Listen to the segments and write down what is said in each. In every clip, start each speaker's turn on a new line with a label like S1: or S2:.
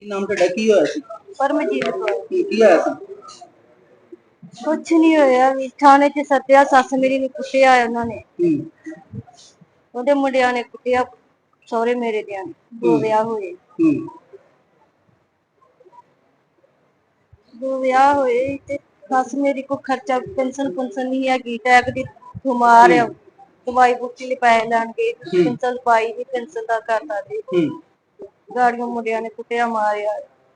S1: ਨਾਮ ਤੁਹਾਡਾ ਕੀ ਹੋਇਆ ਸੀ?
S2: ਪਰਮਜੀਤ ਕੌਰ।
S1: ਕੀ ਹੋਇਆ ਸੀ?
S2: ਕੁਛ ਨਹੀਂ ਹੋਇਆ ਵੀ ਥਾਣੇ 'ਚ ਸੱਦਿਆ, ਸੱਸ ਮੇਰੀ ਨੂੰ ਕੁੱਟਿਆ ਉਹਨਾਂ ਨੇ, ਉਹਦੇ ਮੁੰਡਿਆਂ ਨੇ ਕੁੱਟਿਆ, ਸਹੁਰੇ ਮੇਰੇ ਦਿਆਂ ਨੇ। ਦੋ ਵਿਆਹ ਹੋਏ ਤੇ ਸੱਸ ਮੇਰੀ ਕੋ ਖਰਚਾ ਪੈਨਸ਼ਨ ਨਹੀਂ ਹੈਗੀ, ਟੈਕ ਦੀ ਬਿਮਾਰ ਆ, ਦਵਾਈ ਬੂਟੀ ਲਈ ਪੈਸੇ ਲੈਣ ਗਏ, ਪੈਨਸ਼ਨ ਪਾਈ ਨੀ, ਪੈਨਸ਼ਨ ਦਾ ਕਰਤਾ ਦੇ ਗਾੜੀਆਂ ਮੁੰਡਿਆਂ ਨੇ ਕੁੱਟਿਆ ਮਾਰਿਆ।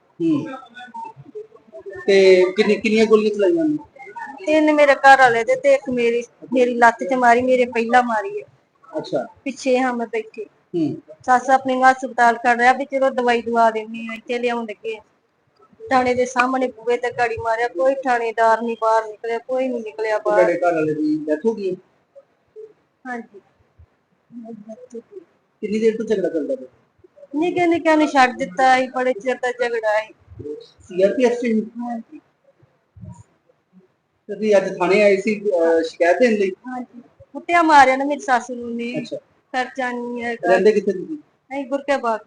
S1: ਤੇ ਕਿੰਨੀਆਂ ਗੋਲੀਆਂ ਚਲਾਈਆਂ ਨੇ?
S2: ਤਿੰਨ ਮੇਰੇ ਘਰ ਵਾਲੇ ਦੇ ਤੇ ਇੱਕ ਮੇਰੀ ਲੱਤ 'ਚ ਮਾਰੀ, ਮੇਰੇ ਪਹਿਲਾਂ ਮਾਰੀ ਹੈ।
S1: ਅੱਛਾ,
S2: ਪਿੱਛੇ ਹਾਂ ਮੈਂ ਬੈਠੀ, ਸੱਸ ਆਪਣੀ ਹਸਪਤਾਲ ਕਰ ਰਿਹਾ ਵੀ ਚਲੋ ਦਵਾਈ ਦਵਾ ਦੇਣੀ ਆ, ਇੱਥੇ ਲਿਆਉਣ ਲੱਗੇ ਥਾਣੇ ਦੇ ਸਾਹਮਣੇ ਬੂਹੇ ਤੇ ਗਾੜੀ ਮਾਰਿਆ, ਕੋਈ ਥਾਣੇਦਾਰ ਨਹੀਂ ਬਾਹਰ ਨਿਕਲਿਆ, ਕੋਈ ਨਹੀਂ ਨਿਕਲਿਆ ਬਾਹਰ।
S1: ਤੁਹਾਡੇ ਘਰ ਵਾਲੇ ਦੀ ਡੈਥ ਹੋ ਗਈ?
S2: ਹਾਂਜੀ।
S1: ਕਿੰਨੀ ਦੇਰ ਤੋਂ ਝਗੜਾ ਚੱਲਦਾ ਪਿਆ?
S2: ਨਿੱਕੇ ਨੇ ਛੱਡ ਦਿੱਤਾ ਸੀ, ਬੜੇ ਚਿਰ ਦਾ ਝਗੜਾ ਸੀ।
S1: ਸੀਆਰਪੀਐਫ ਚ?
S2: ਹਾਂਜੀ।
S1: ਤੁਸੀਂ ਅੱਜ ਥਾਣੇ ਆਏ ਸੀ ਸ਼ਿਕਾਇਤ ਦੇਣ ਲਈ?
S2: ਹਾਂਜੀ, ਕੁੱਟਿਆ ਮਾਰਿਆ ਨਾ ਮੇਰੀ ਸੱਸ ਨੂੰ ਨੇ।
S1: ਅੱਛਾ,
S2: ਖਰਚਾ ਨਹੀਂ ਹੈ।
S1: ਰਹਿੰਦੇ ਕਿੱਥੇ ਤੁਸੀਂ?
S2: ਨਹੀਂ, ਗੁਰਕੇ ਬਾਗ।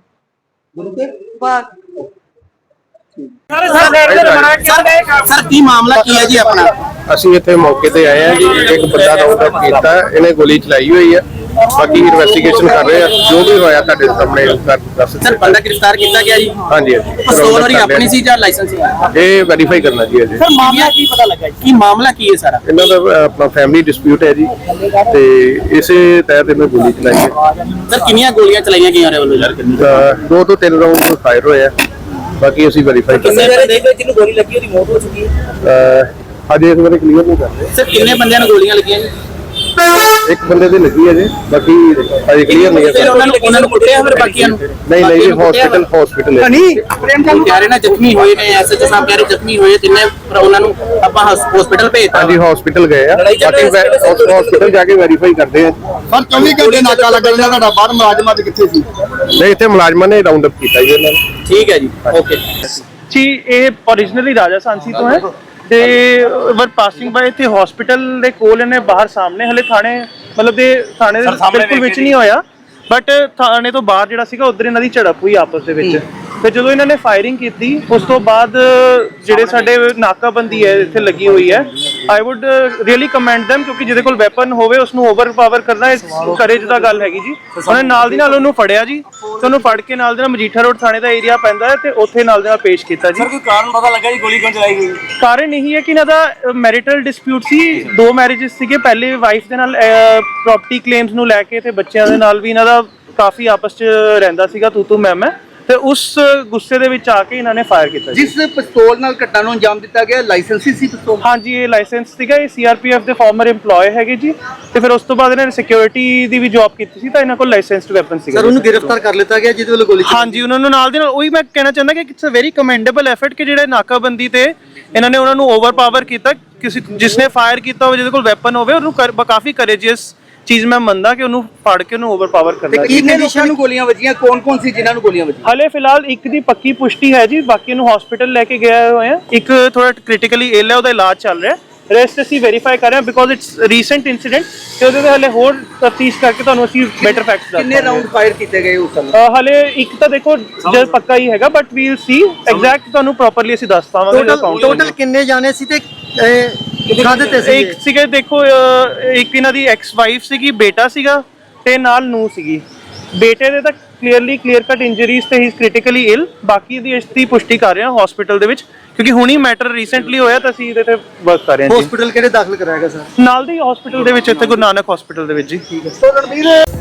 S3: ਸਰ ਕੀ ਮਾਮਲਾ ਕੀ ਹੈ ਜੀ ਆਪਣਾ?
S4: ਅਸੀਂ ਇੱਥੇ ਮੌਕੇ ਤੇ ਆਏ ਹਾਂ ਜੀ। ਇੱਕ ਬੰਦਾ ਰਾਉਂਡ ਅਪ ਕੀਤਾ, ਇਹਨੇ ਗੋਲੀ ਚਲਾਈ ਹੋਈ ਹੈ। ਬਾਕੀ ਇਨਵੈਸਟੀਗੇਸ਼ਨ ਕਰ ਰਹੇ ਆ, ਜੋ ਵੀ ਹੋਇਆ ਤੁਹਾਡੇ ਸਾਹਮਣੇ ਦੱਸ।
S3: ਸਰ ਬੰਦਾ ਗ੍ਰਿਫਤਾਰ ਕੀਤਾ ਗਿਆ ਜੀ?
S4: ਹਾਂਜੀ ਹਾਂਜੀ।
S3: ਪਿਸਤੌਲ ਉਹਦੀ ਆਪਣੀ ਸੀ ਜਾਂ ਲਾਇਸੈਂਸ ਸੀ?
S4: ਇਹ ਵੈਰੀਫਾਈ ਕਰਨਾ ਜੀ ਅਜੇ।
S3: ਸਰ ਮਾਮਲਾ ਕੀ ਪਤਾ ਲੱਗਾ ਜੀ? ਕੀ ਮਾਮਲਾ ਕੀ ਹੈ ਸਾਰਾ?
S4: ਇਹਨਾਂ ਦਾ ਆਪਣਾ ਫੈਮਿਲੀ ਡਿਸਪਿਊਟ ਹੈ ਜੀ, ਤੇ ਇਸੇ ਤਹਿਤ ਇਹਨੇ ਗੋਲੀ ਚਲਾਈ ਹੈ।
S3: ਸਰ ਕਿੰਨੀਆਂ ਗੋਲੀਆਂ ਚਲਾਈਆਂ ਗਈਆਂ ਉਹਦੇ ਵੱਲੋਂ?
S4: 2 ਤੋਂ 3 ਰਾਉਂਡ ਫਾਇਰ ਹੋਏ ਆ, ਬਾਕੀ ਅਸੀਂ ਵੈਰੀਫਾਈ ਕਰ ਰਹੇ
S3: ਹਾਂ। ਜਿਹਨੂੰ ਗੋਲੀ ਲੱਗੀ ਉਹਦੀ ਮੌਤ ਹੋ ਚੁੱਕੀ ਹੈ?
S4: ਅਜੇ ਇਸ ਬਾਰੇ ਕਲੀਅਰ ਨਹੀਂ ਕਰ ਰਹੇ।
S3: ਸਰ ਕਿੰਨੇ ਬੰਦਿਆਂ ਨੂੰ ਗੋਲੀਆਂ ਲੱਗੀਆਂ ਜੀ?
S4: ਇੱਕ ਬੰਦੇ ਦੀ ਲੱਗੀ ਹੈ ਜੀ, ਬਾਕੀ ਅਜੇ ਕਲੀਅਰ ਨਹੀਂ ਹੈ।
S3: ਉਹਨਾਂ ਨੂੰ ਕੁੱਟਿਆ ਫਿਰ ਬਾਕੀਆਂ ਨੂੰ?
S4: ਨਹੀਂ ਜੀ, ਹਸਪੀਟਲ ਹੈ।
S3: ਨਹੀਂ ਕਹਿ ਰਹੇ ਨਾ ਜ਼ਖਮੀ ਹੋਏ ਨੇ, ਐਸਐਚਓ ਸਾਹਿਬ ਕਹਿ ਰਹੇ ਜ਼ਖਮੀ ਹੋਏ ਤਿੰਨੇ, ਪਰ ਉਹਨਾਂ ਨੂੰ ਆਪਾਂ ਹਸਪੀਟਲ ਭੇਜਤਾ।
S4: ਹਾਂਜੀ, ਹਸਪੀਟਲ ਗਏ ਆ, ਬਾਕੀ ਹਸਪੀਟਲ ਜਾ ਕੇ ਵੈਰੀਫਾਈ ਕਰਦੇ ਆ।
S5: ਸਰ 24 ਘੰਟੇ ਨਾਕਾ ਲੱਗ ਰਿਹਾ ਤੁਹਾਡਾ, ਬਾਹਰ ਮੁਲਾਜ਼ਮਾਂ ਦੇ ਕਿੱਥੇ ਸੀ?
S4: ਨਹੀਂ, ਇੱਥੇ ਮੁਲਾਜ਼ਮਾਂ ਨੇ ਰਾਉਂਡ ਅਪ ਕੀਤਾ ਜੀ ਇਹਨਾਂ ਨੂੰ।
S3: ਠੀਕ ਹੈ ਜੀ, ਓਕੇ
S6: ਜੀ। ਇਹ ਓਰੀਜਨਲੀ ਰਾਜਾ ਸਾਂਸੀ ਤੋਂ ਹੈ ਤੇ ਵਰ ਪਾਸਿੰਗ ਬਾਏ ਇੱਥੇ ਹਸਪੀਟਲ ਦੇ ਕੋਲ ਇਹਨੇ ਬਾਹਰ ਸਾਹਮਣੇ, ਹਲੇ ਥਾਣੇ ਮਤਲਬ ਦੇ ਥਾਣੇ ਦੇ ਬਿਲਕੁਲ ਵਿੱਚ ਨਹੀਂ ਹੋਇਆ, ਬਟ ਥਾਣੇ ਤੋਂ ਬਾਹਰ ਜਿਹੜਾ ਸੀਗਾ ਉਧਰ ਇਹਨਾਂ ਦੀ ਝੜਪ ਹੋਈ ਆਪਸ ਦੇ ਵਿੱਚ। ਤੇ ਜਦੋਂ ਇਹਨਾਂ ਨੇ ਫਾਇਰਿੰਗ ਕੀਤੀ ਉਸ ਤੋਂ ਬਾਅਦ ਜਿਹੜੇ ਸਾਡੇ ਨਾਕਾਬੰਦੀ ਹੈ ਇੱਥੇ ਲੱਗੀ ਹੋਈ ਹੈ, I would really commend them, ਕਿਉਂਕਿ ਜਿਹਦੇ ਕੋਲ ਵੈਪਨ ਹੋਵੇ ਉਸਨੂੰ ਓਵਰਪਾਵਰ ਕਰਨਾ ਕਰੇਜ ਦਾ ਗੱਲ ਹੈਗੀ ਜੀ। ਉਹਨੇ ਨਾਲ ਦੀ ਨਾਲ ਉਹਨੂੰ ਫੜਿਆ ਜੀ, ਤੇ ਉਹਨੂੰ ਫੜ ਕੇ ਨਾਲ ਦੇ ਨਾਲ ਮਜੀਠਾ ਰੋਡ ਥਾਣੇ ਦਾ ਏਰੀਆ ਪੈਂਦਾ ਹੈ ਤੇ ਉੱਥੇ ਨਾਲ ਦੇ ਨਾਲ ਪੇਸ਼ ਕੀਤਾ ਜੀ।
S5: ਸਰ ਕੋਈ ਕਾਰਨ ਪਤਾ ਲੱਗਾ ਜੀ ਗੋਲੀ ਕਿਉਂ ਚਲਾਈ ਗਈ?
S6: ਕਾਰਨ ਇਹੀ ਹੈ ਕਿ ਇਹਨਾਂ ਦਾ ਮੈਰਿਟਲ ਡਿਸਪਿਊਟ ਸੀ, 2 ਮੈਰਿਜਸ ਸੀਗੇ। ਪਹਿਲੇ ਵਾਈਫ ਦੇ ਨਾਲ ਪ੍ਰੋਪਰਟੀ ਕਲੇਮਸ ਨੂੰ ਲੈ ਕੇ ਤੇ ਬੱਚਿਆਂ ਦੇ ਨਾਲ ਵੀ ਇਹਨਾਂ ਦਾ ਕਾਫੀ ਆਪਸ 'ਚ ਰਹਿੰਦਾ ਸੀਗਾ, ਤੂੰ ਮੈਂ, ਤੇ ਉਸ ਗੁੱਸੇ ਦੇ ਵਿੱਚ ਆ ਕੇ ਇਹਨਾਂ ਨੇ ਫਾਇਰ ਕੀਤਾ।
S5: ਜਿਸ ਪਿਸਤੌਲ ਨਾਲ ਘਟਨਾ ਨੂੰ ਅੰਜਾਮ ਦਿੱਤਾ ਗਿਆ, ਲਾਇਸੈਂਸੀ ਸੀ ਪਿਸਤੌਲ?
S6: ਹਾਂਜੀ, ਇਹ ਲਾਇਸੈਂਸ ਸੀਗਾ। ਇਹ ਸੀਆਰਪੀਐਫ ਦੇ ਫਾਰਮਰ EMPLOYE ਹੈਗੇ ਜੀ, ਤੇ ਫਿਰ ਉਸ ਤੋਂ ਬਾਅਦ ਇਹਨਾਂ ਨੇ ਸਿਕਿਉਰਿਟੀ ਦੀ ਵੀ ਜੌਬ ਕੀਤੀ ਸੀ, ਤਾਂ ਇਹਨਾਂ ਕੋਲ ਲਾਇਸੈਂਸਡ ਵੈਪਨ ਸੀਗਾ।
S5: ਸਰ ਉਹਨੂੰ ਗ੍ਰਿਫਤਾਰ ਕਰ ਲਿੱਤਾ ਗਿਆ ਜਿਹਦੇ ਵੱਲੋਂ ਗੋਲੀ?
S6: ਹਾਂਜੀ, ਉਹਨਾਂ ਨੂੰ ਨਾਲ ਦੀ ਨਾਲ ਉਹੀ ਮੈਂ ਕਹਿਣਾ ਚਾਹੁੰਦਾ ਕਿ it's a very commendable effort ਕਿ ਜਿਹੜੇ ਨਾਕਾਬੰਦੀ ਤੇ ਇਹਨਾਂ ਨੇ ਉਹਨਾਂ ਨੂੰ ਓਵਰਪਾਵਰ ਕੀਤਾ। ਕਿਸੇ ਜਿਸਨੇ ਫਾਇਰ ਕੀਤਾ ਹੋਵੇ, ਜਿਹਦੇ ਕੋਲ ਵੈਪਨ ਹੋਵੇ, ਉਹਨੂੰ ਕਾਫੀ ਕਰੇਜੀਅਸ ਚੀਜ਼ ਮੈਂ ਮੰਨਦਾ ਕਿ ਉਹਨੂੰ ਫੜ ਕੇ ਉਹਨੂੰ ਓਵਰਪਾਵਰ ਕਰਨਾ।
S5: ਕਿੰਨੇ ਲੋਕਾਂ ਨੂੰ ਗੋਲੀਆਂ ਵੱਜੀਆਂ? ਕੌਣ ਸੀ ਜਿਨ੍ਹਾਂ ਨੂੰ ਗੋਲੀਆਂ ਵੱਜੀਆਂ?
S6: ਹਲੇ ਫਿਲਹਾਲ ਇੱਕ ਦੀ ਪੱਕੀ ਪੁਸ਼ਟੀ ਹੈ ਜੀ, ਬਾਕੀ ਨੂੰ ਹਸਪੀਟਲ ਲੈ ਕੇ ਗਏ ਹੋਏ ਆ। ਇੱਕ ਥੋੜਾ ਕ੍ਰਿਟੀਕਲੀ ਇਲ ਹੈ, ਉਹਦਾ ਇਲਾਜ ਚੱਲ ਰਿਹਾ। ਰੈਸਟ ਅਸੀਂ ਵੈਰੀਫਾਈ ਕਰ ਰਹੇ ਹਾਂ ਬਿਕੋਜ਼ ਇਟਸ ਰੀਸੈਂਟ ਇਨਸੀਡੈਂਟ, ਤੇ ਉਹਦੇ ਤੇ ਹਲੇ ਹੋਰ ਤਫਤੀਸ਼ ਕਰਕੇ ਤੁਹਾਨੂੰ ਅਸੀਂ ਬੈਟਰ ਫੈਕਟਸ ਦੱਸਾਂਗੇ।
S5: ਕਿੰਨੇ ਰਾਉਂਡ ਫਾਇਰ ਕੀਤੇ ਗਏ ਉਸ ਸਮੇਂ?
S6: ਹਲੇ ਇੱਕ ਤਾਂ ਦੇਖੋ ਜਦ ਪੱਕਾ ਹੀ ਹੈਗਾ, ਬਟ ਵੀਲ ਸੀ ਐਗਜ਼ੈਕਟ, ਤੁਹਾਨੂੰ ਪ੍ਰੋਪਰਲੀ ਅਸੀਂ ਦੱਸ ਪਾਵਾਂਗੇ।
S5: ਟੋਟਲ ਕਿੰਨੇ ਜਾਣੇ ਸੀ ਤੇ
S6: ਇੱਕ ਸੀਗੇ, ਦੇਖੋ ਇੱਕ ਇਹਨਾਂ ਦੀ ਐਕਸ ਵਾਈਫ ਸੀਗੀ, ਬੇਟਾ ਸੀਗਾ ਤੇ ਨਾਲ ਨੂੰਹ ਸੀਗੀ। ਬੇਟੇ ਦੇ ਤਾਂ ਕਲੀਅਰ ਕੱਟ ਇੰਜਰੀਜ਼ ਤੇ ਹੀ ਕ੍ਰਿਟੀਕਲੀ ਇਲ, ਬਾਕੀ ਦੀ ਇਸ ਦੀ ਪੁਸ਼ਟੀ ਕਰ ਰਹੇ ਹਾਂ ਹਸਪੀਟਲ ਦੇ ਵਿੱਚ, ਕਿਉਂਕਿ ਹੁਣੀ ਮੈਟਰ ਰੀਸੈਂਟਲੀ ਹੋਇਆ ਤਾਂ ਅਸੀਂ ਇਹਦੇ ਤੇ ਵਰਕ ਕਰ ਰਹੇ ਹਾਂ।
S5: ਹਸਪੀਟਲ ਕਿਹੜੇ ਦਾਖਲ ਕਰਾਇਆ ਗਿਆ ਸਰ?
S6: ਨਾਲ ਦੀ ਹਸਪੀਟਲ ਦੇ ਵਿੱਚ, ਇੱਥੇ ਗੁਰੂ ਨਾਨਕ ਹਸਪੀਟਲ ਦੇ ਵਿੱਚ ਜੀ।
S5: ਠੀਕ ਹੈ।